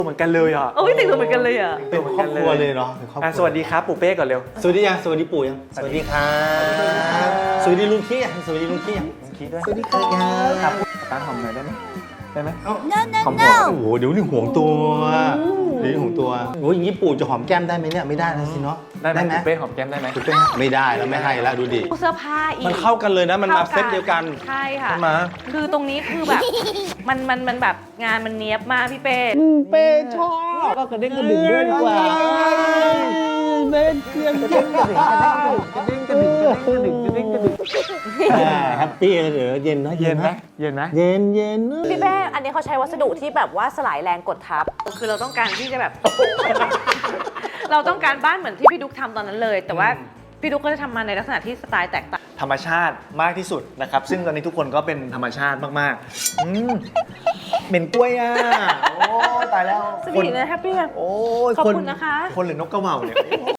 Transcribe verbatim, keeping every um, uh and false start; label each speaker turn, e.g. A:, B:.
A: เหมือนกันเลยอ่ะ
B: โอ้ยแต่งตัวเหมือนกันเลยอ่ะ
C: เป็นครอบครัวเลยเนาะเป็นครอบค
A: อ่ะ
C: รัว
A: สวัสดีครับปู่เป้ก่อนเร็ว
C: สวัสดียังสวัสดีปู่ยังสวัสดีครับสวัสดีลุงขี้ยังสวัสดีลุงขี้ยัง
A: คิดด้วย
C: สวัสดีครับ
A: ครับตาหอมหน่อยได้ไหมได้ไหม
D: No, no,
A: หอม
D: no.
C: โอ้โหเดี๋ยวนี่ห่วงตัวเดี๋ยวนี่ห่วงตัวโอ้ยอย่างนี้ปู่จะหอมแก้มได้ไหมเนี่ยไม่ได้นะสิเนาะ
A: ได้ไหม
C: ไหม
A: ปู่เป้หอมแก้มได้ไหม
C: ปู่เป้ไม่ได้แล้วไม่ให้แล้วดูดิ
B: เสื้อผ้าอีก
A: มันเข้ากันเลยนะมันมาเซตเดียวกัน
B: ใช่ค่ะ
A: ใช่ไหม
B: คือตรงนี้คือแบบ มันมันมันแบบงานมันเนี้ยบมากพี่เป้
C: เป้ชอบก็กระเด้งกระดิ่งด้วยดีกว่าเล่นเครื่องกระเด้งกระดิ่งกระเด้งกระดิ่งกระเด้งกระดิ่งกระเด้งกระดิ่งแฮปปี้เลยเดี๋ยวเย็นนะ
A: เย็นไหมเย็นไหม
C: เย็นเย็น
E: พี่เป้อันนี้เขาใช้วัสดุที่แบบว่าสลายแรงกดทับ
B: คือเราต้องการที่จะแบบ เราต้องการบ้านเหมือนที่พี่ดุ๊กทำตอนนั้นเลย แต่ว่าพี่ดุ๊กก็จะทำมาในลักษณะที่สไตล์แตกต่าง
A: ธรรมชาติมากที่สุดนะครับ ซึ่งตอนนี้ทุกคนก็เป็นธรรมชาติมากๆอืมเหม็นกล้วยอ่ะโอ้ตายแล้ว
B: สวีทนะแฮปปี้
A: โอ้ย
B: ขอบคุณนะคะ
A: คนหรือนกกระเหว่าเนี่ย